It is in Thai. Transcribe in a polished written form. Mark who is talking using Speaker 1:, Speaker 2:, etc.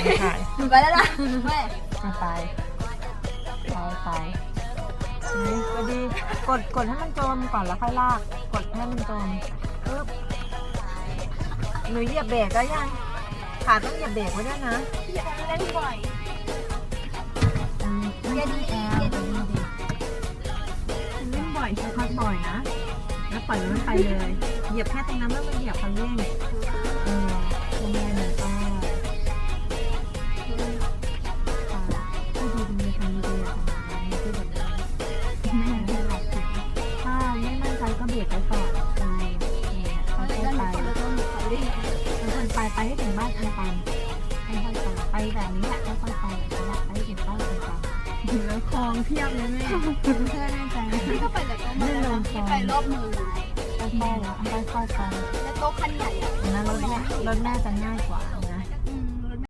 Speaker 1: ถ่าย
Speaker 2: ไปแล้วนะแม่
Speaker 1: ไปก็ดีกดให้มันจมก่อนแล้วค่อยลากกดให้มันจมปึ๊บหนูเหยียบเบรกก็ยังขาต้องเหยียบเบรกไว้ด้วยนะ
Speaker 2: อย่าเล่นบ่อย
Speaker 1: เย็นดีเล่นบ่อยใช้พักบ่อยนะแล้วปล่อยมันไปเลยเหยียบแค่ตรงนั้นแล้วมันเหยียบคันเร่งลงแรงหน่อยก็ดีทำดีที่แบบนี้ไม่หลับถ้าไม่มั่นใจก็เบรกไว้ก่อนค่อยๆไปไปให้ถึงบ้านอันตันค่อยๆไปแบบนี้แหละค่อยๆไปให้ถึงบ้านอันตันแล้วคลองเพียบเลยแม่เพื่อแน่ใจ
Speaker 2: พี่ก็ไปแต่โต๊ะมาแล้วพี่ไปรอบเมือง
Speaker 1: ค่อยๆไป
Speaker 2: แล้วโต๊ะคันใหญ่อะ
Speaker 1: นะรถแม่จะง่ายกว่า